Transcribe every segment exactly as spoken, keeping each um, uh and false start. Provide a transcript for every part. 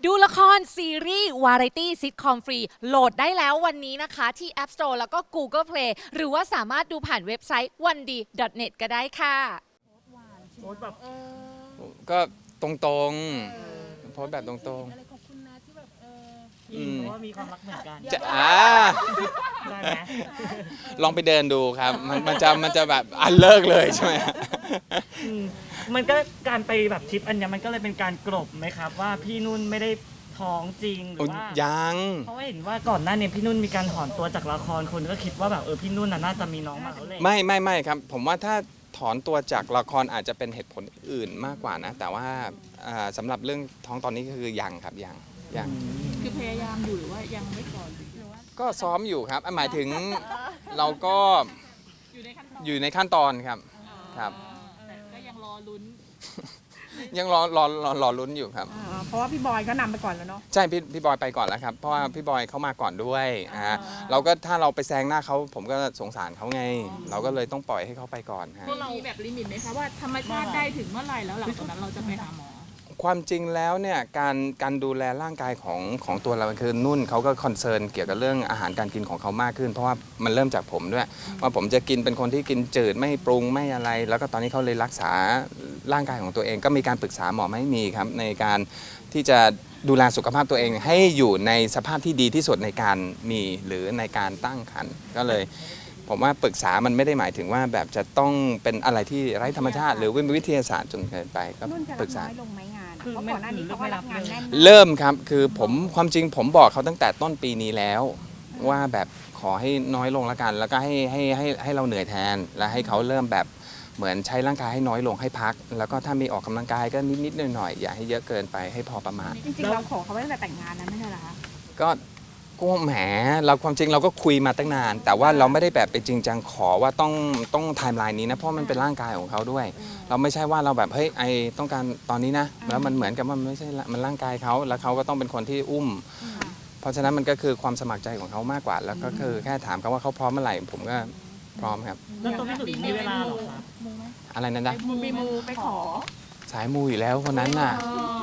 ดูละครซีรีส์วาไรตี้ซิทคอมฟรีโหลดได้แล้ววันนี้นะคะที่ App Store แล้วก็ Google Play หรือว่าสามารถดูผ่านเว็บไซต์ วันดี ดอท เน็ต ก็ได้ค่ะโพสแบบก็ตรงๆโพสแบบตรงอะไรขอบคุณนะที่แบบเอออืมเพราะว่ามีความรักเหมือนกันๆจะอ่าได้ไหมลองไปเดินดูครับ มันมันจะมันจะแบบอันเลิกเลยใช่ไหมอืมมันก็การไปแบบทริปอันเนี้ยมันก็เลยเป็นการกลบไหมครับว่าพี่นุ่นไม่ได้ท้องจริงหรือว่ายังเพราะว่าเห็นว่าก่อนหน้านี้พี่นุ่นมีการถอนตัวจากละครคนก็คิดว่าแบบเออพี่นุ่นน่ะน่าจะมีน้องมาแล้วแหละไม่ไม่ไม่ครับ ผมว่าถ้าถอนตัวจากละครอาจจะเป็นเหตุผลอื่นมากกว่านะ แต่ว่าอ่าสำหรับเรื่องท้องตอนนี้ก็คือยังครับยังยังคือพยายามอยู่หรือว่ายังไม่ก่อนหรือว่าก็ซ้อมอยู่ครับอ่ะหมายถึงเราก็อยู่ในขั้นตอนอยู่ในขั้นตอนครับครับแต่ก็ยังรอลุ้นยังรอรอรอรอลุ้นอยู่ครับอ่าเพราะว่าพี่บอยก็นำไปก่อนแล้วเนาะใช่พี่พี่บอยไปก่อนแล้วครับเพราะว่าพี่บอยเขามาก่อนด้วยอ่าเราก็ถ้าเราไปแซงหน้าเขาผมก็สงสารเขาไง เราก็เลยต้องปล่อยให้เขาไปก่อนฮะมีแบบลิมิตไหมคะว่าธรรมชาติได้ถึงเมื่อไหร่แล้วหลังจากนั้นเราจะไปหาหมอความจริงแล้วเนี่ยการการดูแลร่างกายของของตัวเราคือนุ่นเขาก็คอนเซิร์นเกี่ยวกับเรื่องอาหารการกินของเขามากขึ้น เพราะว่ามันเริ่มจากผมด้วยว่าผมจะกินเป็นคนที่กินจืดไม่ปรุงไม่อะไร แล้วก็ตอนนี้เขาเลยรักษาร่างกายของตัวเอง ก็มีการปรึกษาหมอไม่มีครับในการที่จะดูแลสุขภาพตัวเองให้อยู่ในสภาพที่ดีที่สุดในการมีหรือในการตั้งครรภ์ก็เลย ผมว่าปรึกษามันไม่ได้หมายถึงว่าแบบจะต้องเป็นอะไรที่ไร้ธรรมชาติ หรือวิทยาศาสตร์จนเกินไปก็นุ่นจะปรัรึบกษาน้อยลงไหมงานคือเพราะไม่ก่อนหน้านี้เขาก็รับงานแน่นเริ่มครับคือผมความจริงผมบอกเขาตั้งแต่ต้นปีนี้แล้ว ว่าแบบขอให้น้อยลงละกัน แล้วก็ให้ให้ให้ให้เราเหนื่อยแทน และให้เขาเริ่มแบบเหมือนใช้ร่างกายให้น้อยลงให้พัก แล้วก็ถ้ามีออกกำลังกายก็นิดๆหน่อยๆอย่าให้เยอะเกินไปให้พอประมาณจริงๆเราขอเขาไว้ตั้งแต่แต่งงานแล้วไม่ใช่เหรอคะก็ก็แหมเราความจริงเราก็คุยมาตั้งนาน แต่ว่าเราไม่ได้แบบไปจริงจังขอว่าต้องต้องไทม์ไลน์นี้นะเพราะมันเป็นร่างกายของเขาด้วย เราไม่ใช่ว่าเราแบบเฮ้ยไอต้องการตอนนี้นะแล้วมันเหมือนกับว่ามันไม่ใช่ละมันร่างกายเขาแล้วเขาก็ต้องเป็นคนที่อุ้ม เพราะฉะนั้นมันก็คือความสมัครใจของเขามากกว่า แล้วก็คือแค่ถามเขาว่าเขาพร้อมเมื่อไหร่ผมก็พร้อมครับแล้วตัวพี่สุดมีเวลาเหรอครับอะไรนั่นนะมีมูไปขอสายมูอยู่แล้วคนนั้นน่ะ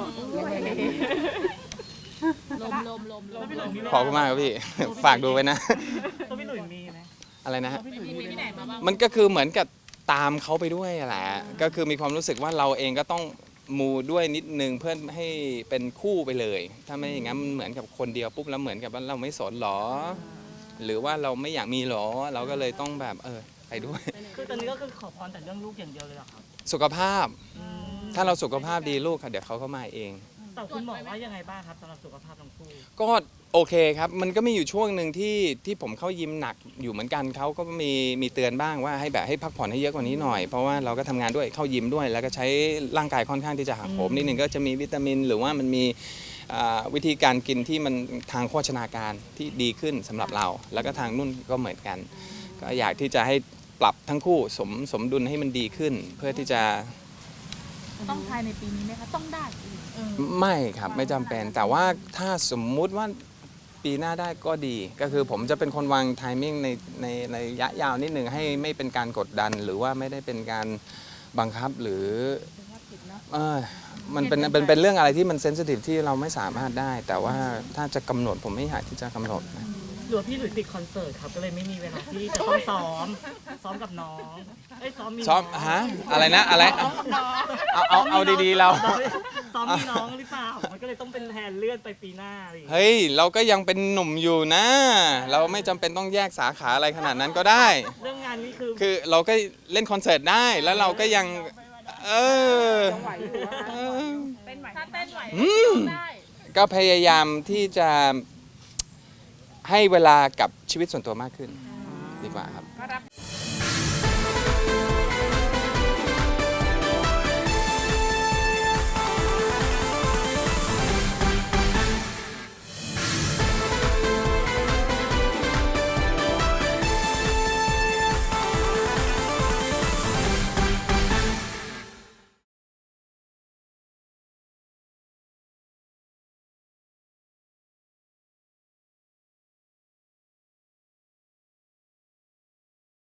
ลมลมลมลมลมขอบคุณมากครับพี่ ฝากดูไว้นะตัวพี่หนุ่ยมีไหมอะไรนะฮะตัวพี่หนุ่ยมีมีที่ไหนมาบ้างมันก็คือเหมือนกับตามเขาไปด้วยแหละก็คือมีความรู้สึกว่าเราเองก็ต้องมูด้วยนิดนึงเพื่อให้เป็นคู่ไปเลย ถ้าไม่อย่างนั้นมันเหมือนกับคนเดียวปุ๊บแล้วเหมือนกับว่าเราไม่สนหรอ หรือว่าเราไม่อยากมีหรอ เราก็เลยต้องแบบเออไปด้วยคือตอนนี้ก็คือขอพรแต่เรื่องลูกอย่างเดียวเลยเหรอครับสุขภาพอืมถ้าเราสุขภาพดีลูกค่ะเดี๋ยวเขาก็มาเองแต่คุณหมอว่ายังไงบ้างครับสำหรับสุขภาพทั้งคู่ก็โอเคครับ มันก็มีอยู่ช่วงหนึ่งที่ที่ผมเข้ายิมหนักอยู่เหมือนกันเขาก็มีมีเตือนบ้างว่าให้แบบให้พักผ่อนให้เยอะกว่านี้หน่อย เพราะว่าเราก็ทำงานด้วยเข้ายิมด้วย แล้วก็ใช้ร่างกายค่อนข้างที่จะหักโหมนิดนึงก็จะมีวิตามิน หรือว่ามันมีอ่าวิธีการกินที่มันทางโภชนาการที่ดีขึ้นสำหรับเรา แล้วก็ทางนุ่นก็เหมือนกัน ก็อยากที่จะให้ปรับทั้งคู่สมสมดุลให้มันดีขึ้น เพื่อที่จะต้องภายในปีนี้ไหมคะ ต้องได้เออไม่ครับไม่จำเป็นแต่ว่าถ้าสมมุติว่าปีหน้าได้ก็ดี ก็คือผมจะเป็นคนวางไทมิ่งในในในระยะยาวนิดหนึ่งให้ไม่เป็นการกดดัน หรือว่าไม่ได้เป็นการบังคับหรือเออมันเป็นเป็นเป็นเรื่องอะไรที่มันเซนซิทีฟที่เราไม่สามารถได้ แต่ว่าถ้าจะกำหนดผมไม่อยากที่จะกำหนดนะหรือว่าพี่หลุยติดคอนเสิร์ตครับก็เลยไม่มีเวลาที่จะต้องซ้อม ซ้อมกับน้องเอ้ยซ้อมมีซ้อมน้งฮะอะไรนะอะไรเอาเอาเอาดีๆเราซ้อมมีน้องหรือเปล่ามันก็เลยต้องเป็นแทนเลื่อนไปปีหน้าอะไรอย่างเงี้ยเฮ้ยเราก็ยังเป็นหนุ่มอยู่นะ เราไม่จำเป็นต้องแยกสาขาอะไรขนาดนั้นก็ได้เรื่องงานนี้คือคือเราก็เล่นคอนเสิร์ตได้แล้วเราก็ยังเออไหวอยู่อะเอคะอเต้นไหวถ้าเต้นไหวอืมได้ก็พยายามที่จะให้เวลากับชีวิตส่วนตัวมากขึ้น ดีกว่าครับก็รับ